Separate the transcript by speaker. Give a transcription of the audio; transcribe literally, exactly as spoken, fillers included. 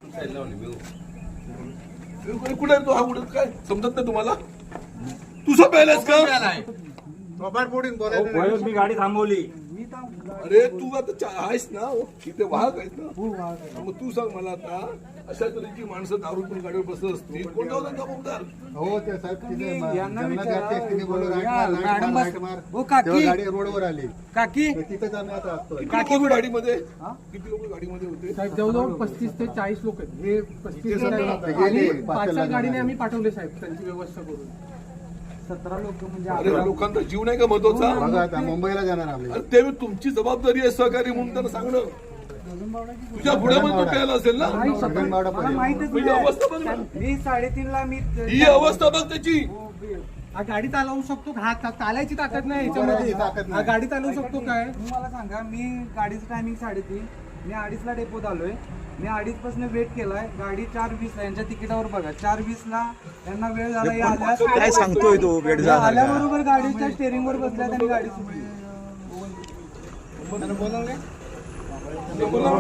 Speaker 1: कुठे तो हा कुठे काय समजत नाही तुम्हाला? तुझा प्यायलास का?
Speaker 2: मी गाडी थांबवली.
Speaker 1: अरे तू आता आहेस ना तिथे वाहक आहेस ना, मग तू सांग मला आता अशा तऱ्हेची माणसं दारू पण गाडीवर बसत असतील, कोण जाऊ त्यांचा मुद्दार?
Speaker 3: हो ते साहेब तिथे
Speaker 4: यांना
Speaker 3: जंगलात
Speaker 4: विचारा.
Speaker 3: जाते, तिने बोललो राईट
Speaker 4: या,
Speaker 3: मार, राईट
Speaker 4: मॅडम
Speaker 3: मार,
Speaker 4: बस-
Speaker 3: राईट मार.
Speaker 4: हो, काकी.
Speaker 3: तेव्हा गाडी रोडवर आली
Speaker 4: काकी
Speaker 3: तर तिथेच आम्ही आता असतोय.
Speaker 1: किती लोक गाडीमध्ये किती लोक गाडीमध्ये होते?
Speaker 5: साहेब जवळजवळ पस्तीस ते चाळीस लोक आहेत. हे पस्तीस
Speaker 3: इथे सगळे
Speaker 5: आणि
Speaker 3: आता गेले,
Speaker 5: पाच
Speaker 3: पाचच्या
Speaker 5: चार गाडीने
Speaker 3: लग्नाला.
Speaker 5: आम्ही पाठवले साहेब त्यांची व्यवस्था करून.
Speaker 4: सतरा लोक म्हणजे
Speaker 1: अरे
Speaker 4: अकरा-
Speaker 1: लोकांचा जीव नाही का महत्वाचा?
Speaker 3: बघा आता मुंबईला जाणार आम्ही.
Speaker 1: अरे ते तुमची जबाबदारी आहे सहकारी म्हणून त्यांना सांगणं. तुझ्या पुढ्यामध्ये तो प्यायला असेल ना,
Speaker 3: गगनबावडा
Speaker 4: मला
Speaker 3: पर्यंत.
Speaker 4: माहितच
Speaker 1: म्हणजे अवस्था बघ ना.
Speaker 4: नाही. मी साडेतीन ला मी
Speaker 1: ही अवस्था बघ त्याची.
Speaker 5: हा गाडी चालवू शकतो का? हा चा- चालायची ताकद नाही
Speaker 3: चालायची
Speaker 5: याच्यामध्ये.
Speaker 3: ताकद
Speaker 5: हा
Speaker 3: नाही.
Speaker 5: गाडी चालवू शकतो काय?
Speaker 4: तुम्ही मला सांगा, मी गाडीचं टायमिंग साडेतीन, मी अडीचला डेपोत आलोय. मी अडीच पासून वेट केलाय. गाडी चार वीस ला यांच्या तिकिटावर बघा, चार वीस ला त्यांना वेळ झाला. या आल्या
Speaker 1: काय सांगतोय
Speaker 2: तो वेळ
Speaker 4: या आल्याबरोबर गाडीच्या स्टेअरिंग वर बसल्या आणि गाडी सुटली.
Speaker 1: बोला.